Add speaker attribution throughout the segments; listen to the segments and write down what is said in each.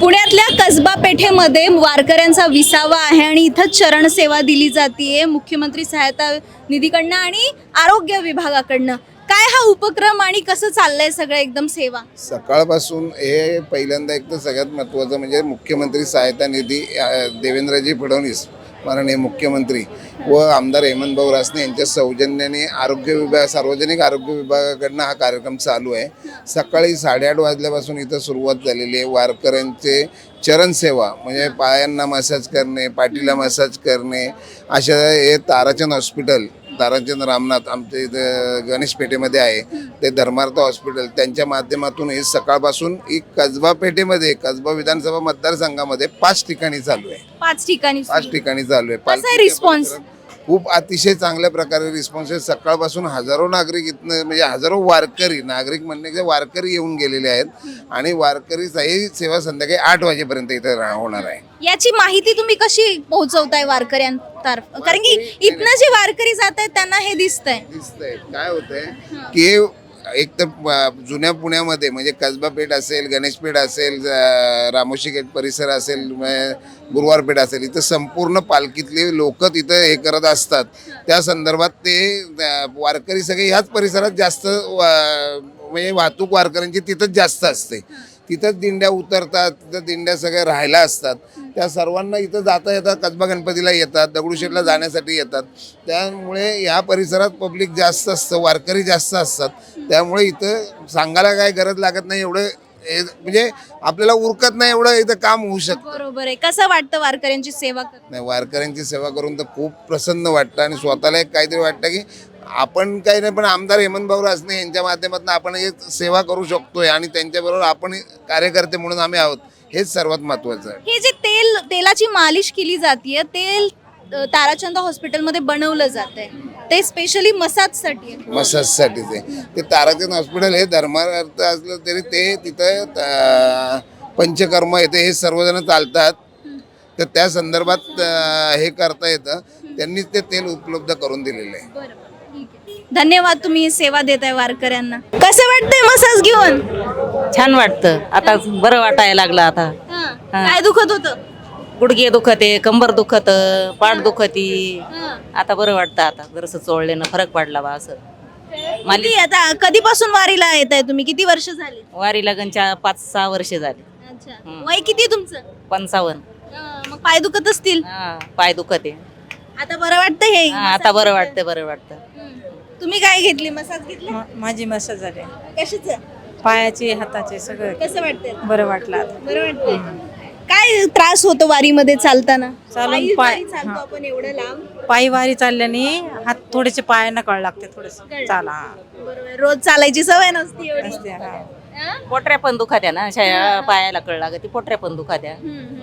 Speaker 1: पुण्यातल्या कसबा पेठेमध्ये वारकऱ्यांचा विसावा आहे आणि इथं चरण सेवा दिली जाते मुख्यमंत्री सहायता निधीकडनं आणि आरोग्य विभागाकडनं. काय हा उपक्रम आणि कसं चाललंय सगळं एकदम सेवा?
Speaker 2: सकाळपासून हे पहिल्यांदा एक तर सगळ्यात महत्त्वाचं म्हणजे मुख्यमंत्री सहायता निधी देवेंद्रजी फडणवीस माननीय मुख्यमंत्री व आमदार हेमंतभाऊ रासने यांच्या सौजन्याने आरोग्य विभाग सार्वजनिक आरोग्य विभागाकडनं हा कार्यक्रम चालू आहे. सकाळी 8:30 वाजल्यापासून इथं सुरुवात झालेली आहे. वारकऱ्यांचे चरणसेवा म्हणजे पायांना मसाज करणे, पाठीला मसाज करणे, अशा हे ताराचंद हॉस्पिटल, ताराचंद रामनाथ आमच्या इथं गणेश पेठेमध्ये आहे ते धर्मार्थ हॉस्पिटल, त्यांच्या माध्यमातून हे सकाळपासून एक कसबा पेठेमध्ये कसबा विधानसभा मतदारसंघामध्ये 5 ठिकाणी चालू आहे.
Speaker 1: 5 ठिकाणी
Speaker 2: 5 ठिकाणी चालू आहे.
Speaker 1: कसा आहे रिस्पॉन्स?
Speaker 2: खूप अतिशय चांगल्या प्रकारे रिस्पॉन्स आहे. सकाळपासून हजारो नागरिक इथनं म्हणजे हजारो वारकरी, नागरिक म्हणण्याचे वारकरी येऊन गेलेले आहेत आणि वारकरीची सेवा संध्याकाळी 8 वाजेपर्यंत इथं होणार आहे.
Speaker 1: याची माहिती तुम्ही कशी पोहोचवताय वारकऱ्यांतर्फे? कारण की इथनं जे वारकरी जात आहेत त्यांना हे दिसतंय.
Speaker 2: काय होतंय की एक तर जुन्या पुण्यामध्ये म्हणजे कसबा पेठ असेल, गणेश पेठ असेल, रामोशी गेट परिसर असेल, गुरुवार पेठ असेल, इथं संपूर्ण पालखीतले लोक तिथं हे करत असतात. त्या संदर्भात ते वारकरी सगळे ह्याच परिसरात जास्त म्हणजे वाहतूक वारकऱ्यांची तिथंच जास्त असते. तिथंच दिंड्या उतरतात, तिथं दिंड्या सगळ्या राहायला असतात. त्या सर्वांना इथं जाता येतात, कसबा गणपतीला येतात, दगडूशेठला जाण्यासाठी येतात. त्यामुळे ह्या परिसरात पब्लिक जास्त असतं, वारकरी जास्त असतात. त्यामुळे इथं सांगायला काय गरज लागत नाही, एवढं म्हणजे आपल्याला उरकत नाही एवढं इथं काम होऊ शकतं.
Speaker 1: बरोबर आहे. कसं वाटतं वारकऱ्यांची सेवा करून?
Speaker 2: नाही, वारकऱ्यांची सेवा करून तर खूप प्रसन्न वाटतं आणि स्वतःला एक काहीतरी वाटतं की आपण काही नाही पण आमदार हेमंतभाऊ रासने यांच्या माध्यमातून आपण एक सेवा करू शकतोय आणि त्यांच्याबरोबर आपण कार्यकर्ते म्हणून आम्ही आहोत, हेच सर्वात महत्त्वाचं आहे.
Speaker 1: हे जे तेलाची मालिश केली जाते, तेल ताराचंद हॉस्पिटलमध्ये बनवलं जातंय, ते स्पेशली मसाजसाठी आहे.
Speaker 2: मसाजसाठी ते ताराचंद हॉस्पिटल हे धर्मार्थ असलं तरी ते तिथं पंचकर्म येते, हे सर्वजण चालतात. तर त्या संदर्भात हे करता येतं, त्यांनीच ते तेल उपलब्ध करून दिलेलं आहे.
Speaker 1: धन्यवाद, तुम्ही सेवा देताय वारकऱ्यांना. कसं वाटतंय मसाज घेऊन?
Speaker 3: छान वाटतं. आता बरं वाटायला लागलं. आता
Speaker 1: काय दुखत होतं?
Speaker 3: गुडघे दुखते, कंबर दुखत, पाठ दुखती. आता बरं वाटतं. आता जरासं चोळल्यानं फरक पडला बा असं.
Speaker 1: किती आता कधीपासून वारीला येत आहे तुम्ही? किती वर्ष झाली?
Speaker 3: वारी लगनच्या 5-6 वर्षे झाली.
Speaker 1: वय किती तुमचं?
Speaker 3: 55.
Speaker 1: मग पाय दुखत असतील.
Speaker 3: पाय दुखते.
Speaker 1: आता बरं वाटतं हे?
Speaker 3: आता बरं वाटतं, बरं वाटतं.
Speaker 1: तुम्ही काय घेतली? मसाज घेतला?
Speaker 4: माझी मसाज झाली.
Speaker 1: कशाचं?
Speaker 4: पायाचे, हाताचे सगळं
Speaker 1: कसं वाटतंय?
Speaker 4: बरं वाटलं आता.
Speaker 1: बरं वाटतंय. काय त्रास होतो वारीमध्ये चालताना?
Speaker 4: चालून पाय
Speaker 1: चालतो आपण एवढं लांब.
Speaker 4: पायी वारी चालल्याने हात थोडेसे पायांना कळ लागते, थोडेसे चाला.
Speaker 1: बरोबर. रोज चालायची सवय नसती एवढी.
Speaker 4: असते, हा.
Speaker 3: पोटऱ्या पण दुखात्या ना, अशा पायाला कळ लागते, पोटऱ्या पण दुखात्या.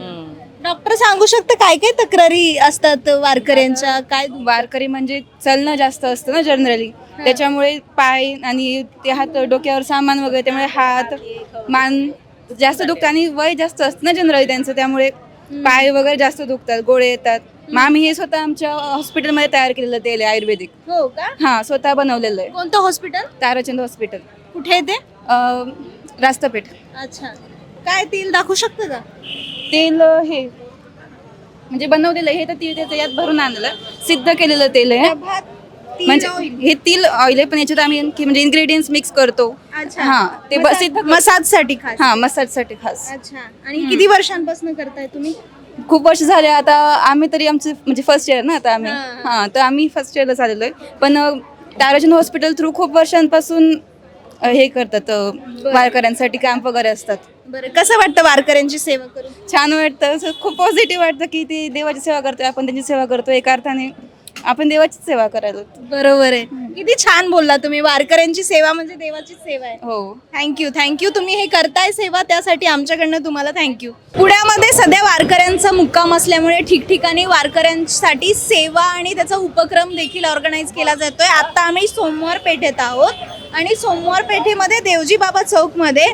Speaker 1: डॉक्टर सांगू शकता काय काय तक्रारी असतात वारकऱ्यांच्या? काय
Speaker 5: वारकरी म्हणजे चलणं जास्त असतं ना जनरली, त्याच्यामुळे पाय आणि ते हात, डोक्यावर सामान वगैरे, त्यामुळे हात मान जास्त दुखतात आणि वय जास्त असतं ना जनरली त्यांचं, त्यामुळे पाय वगैरे जास्त दुखतात, गोळे येतात. मग आम्ही हे स्वतः आमच्या हॉस्पिटलमध्ये तयार केलेलं तेल आहे आयुर्वेदिक.
Speaker 1: हो का?
Speaker 5: हा, स्वतः बनवलेलं आहे.
Speaker 1: कोणतं हॉस्पिटल?
Speaker 5: ताराचंद हॉस्पिटल.
Speaker 1: कुठे आहे ते?
Speaker 5: रास्तापेठ.
Speaker 1: अच्छा. काय तेल दाखवू शकतं का?
Speaker 5: तेल हे म्हणजे बनवलेलं आहे, हे तर त्याचं यात भरून आणलेलं सिद्ध केलेलं तेल आहे. म्हणजे हे तेल ऑइल आहे, पण याच्यात आम्ही म्हणजे इन्ग्रेडियंट्स मिक्स करतो. हा, ते
Speaker 1: मसाजसाठी खास.
Speaker 5: हा, मसाजसाठी खास.
Speaker 1: अच्छा. आणि किती वर्षांपासून करताय तुम्ही?
Speaker 5: खूप वर्ष झाले आता. आम्ही तरी आमचं म्हणजे फर्स्ट इयर ना आता आम्ही. हा, तर आम्ही फर्स्ट इयरला चाललेलो आहे, पण ताराचंद हॉस्पिटल थ्रू खूप वर्षांपासून हे करतात, वारकऱ्यांसाठी कॅम्प वगैरे असतात.
Speaker 1: बरं, कसं वाटतं वारकऱ्यांची सेवा करून?
Speaker 5: छान वाटतं. खूप पॉझिटिव्ह वाटतं की ते देवाची सेवा करतोय, आपण त्यांची सेवा करतोय. एका अर्थाने आपण देवाचीच सेवा करायला.
Speaker 1: बरोबर आहे. किती छान बोलला तुम्ही. वारकऱ्यांची सेवा म्हणजे देवाचीच सेवा आहे.
Speaker 5: हो.
Speaker 1: थँक्यू. तुम्ही हे करताय सेवा, त्यासाठी आमच्याकडनं तुम्हाला थँक्यू. पुण्यामध्ये सध्या वारकऱ्यांचा मुक्काम असल्यामुळे ठिकठिकाणी वारकऱ्यांसाठी सेवा आणि त्याचा उपक्रम देखील ऑर्गनाईज केला जातोय. आता आम्ही सोमवार पेठेत आहोत आणि सोमवार पेठेमध्ये देवजी बाबा चौकमध्ये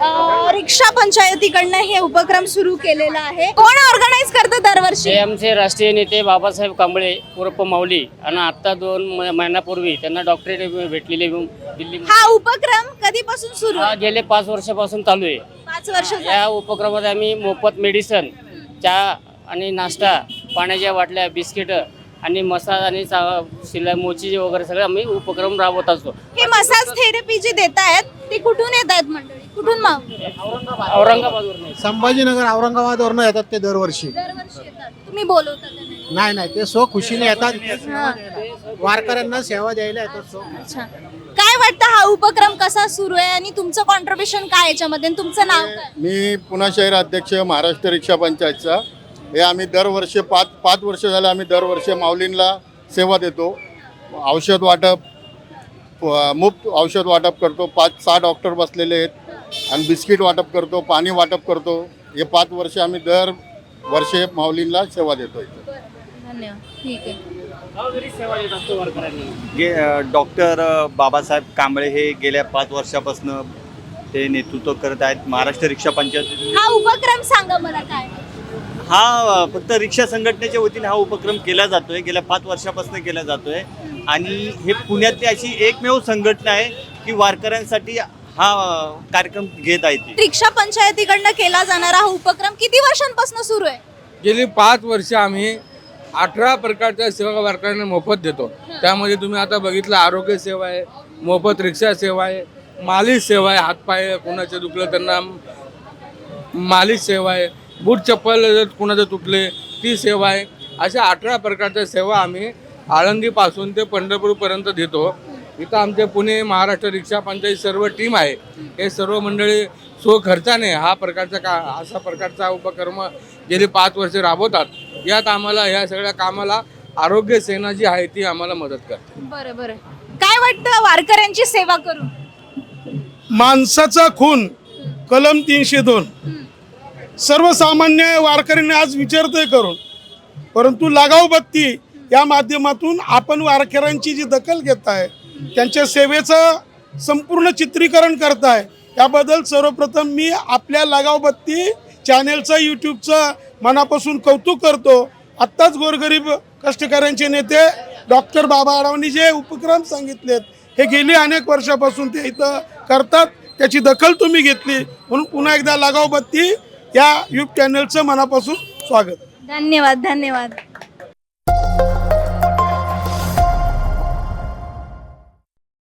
Speaker 1: रिक्षा पंचायतीकडनं हे उपक्रम सुरू केलेला आहे. कोण ऑर्गनाईज करतं दरवर्षी?
Speaker 6: हे आमचे राष्ट्रीय नेते बाबासाहेब कांबळे उर्फ माऊली आणि आता 2 महिन्यापूर्वी त्यांना डॉक्टरेट भेटलेले दिल्ली.
Speaker 1: हा उपक्रम कधीपासून सुरू
Speaker 6: हा
Speaker 1: आहे?
Speaker 6: गेले 5 वर्षापासून चालू आहे.
Speaker 1: 5 वर्ष
Speaker 6: या उपक्रमात आम्ही मोफत मेडिसन, चहा आणि नाश्ता, पाण्याच्या बाटल्या, बिस्किट आणि मसाज आणि शिलाई मोची वगैरे सगळे आम्ही उपक्रम राबवत असतो.
Speaker 1: हे मसाज थेरपी जी देत आहेत ते कुठून येत आहेत मंडळी? कुठून
Speaker 6: औरंगाबादवरून
Speaker 7: संभाजीनगर औरंगाबादवरनं येतात ते दरवर्षी.
Speaker 1: दरवर्षी येतात. तुम्ही बोलवता त्यांना?
Speaker 7: नाही नाही, ते सो खुशीने येतात, वारकऱ्यांना सेवा द्यायला येतात. सो
Speaker 1: अच्छा. काय वाटतं हा उपक्रम कसा सुरू आहे आणि तुमचं कॉन्ट्रीब्युशन काय याच्यामध्ये आणि तुमचं नाव काय?
Speaker 8: मी पुणे शहर अध्यक्ष महाराष्ट्र रिक्षा पंचायतचा. हे आम्ही दरवर्षी 5 वर्ष झाले आम्ही दरवर्षी माऊलींना सेवा देतो. औषध वाटप, मुफ्त औषध वाटप करतो. 5-6 डॉक्टर बसलेले आहेत आणि बिस्किट वाटप करतो, पाणी वाटप करतो. हे 5 वर्ष आम्ही दर वर्षे माऊलींना सेवा देतो.
Speaker 1: धन्यवाद. ठीक आहे.
Speaker 6: सेवा देत असतो वारकऱ्यांना.
Speaker 9: डॉक्टर बाबासाहेब कांबळे हे गेल्या 5 वर्षापासून ते नेतृत्व करत आहेत महाराष्ट्र रिक्षा पंचायत.
Speaker 1: हा उपक्रम सांगा मला काय?
Speaker 9: हा फक्त रिक्षा संघटनेच्या वतीने हा उपक्रम केला जातोय, गेल्या 5 वर्षापासून केला जातोय आणि हे पुण्यातली अशी एकमेव संघटना आहे की वारकऱ्यांसाठी हा कार्यक्रम घेत आहे. ती
Speaker 1: रिक्षा पंचायतीकडनं केला जाणारा हा उपक्रम किती वर्षांपासून सुरू आहे?
Speaker 10: गेली 5 वर्ष आम्ही 18 प्रकारच्या सेवा वारकऱ्यांना मोफत देतो. त्यामध्ये तुम्ही आता बघितलं आरोग्य सेवा आहे, मोफत रिक्षा सेवा आहे, मालिश सेवा आहे, हातपाय कोणाचे दुखलं त्यांना मालिश सेवा आहे, बूट चप्पल जर कुणाचं तुटले ती सेवा आहे. अशा 18 प्रकारच्या सेवा आम्ही आळंदीपासून ते पंढरपूरपर्यंत देतो. इथं आमचे पुणे महाराष्ट्र रिक्षा पंचायत सर्व टीम आहे. हे सर्व मंडळी स्वखर्चाने असा प्रकारचा उपक्रम गेली 5 वर्षे राबवतात. यात आम्हाला या सगळ्या कामाला आरोग्य सेना जी आहे ती आम्हाला मदत करते.
Speaker 1: बरं बरं. काय वाटतं वारकऱ्यांची सेवा करून?
Speaker 11: माणसाचा खून कलम 302 सर्वसामान्य वारकऱ्यांनी आज विचारतोय करून, परंतु लागाव बत्ती या माध्यमातून आपण वारकऱ्यांची जी दखल घेताय, त्यांच्या सेवेचं संपूर्ण चित्रीकरण करताय, याबद्दल सर्वप्रथम मी आपल्या लागाव बत्ती चॅनेलचं यूट्यूबचं मनापासून कौतुक करतो. आत्ताच गोरगरीब कष्टकऱ्यांचे नेते डॉक्टर बाबा आढावांनी जे उपक्रम सांगितलेत हे गेली अनेक वर्षापासून ते इथं करतात, त्याची दखल तुम्ही घेतली म्हणून पुन्हा एकदा लागाव बत्ती या यूट्यूब चॅनलचं मनापासून स्वागत.
Speaker 1: धन्यवाद. धन्यवाद.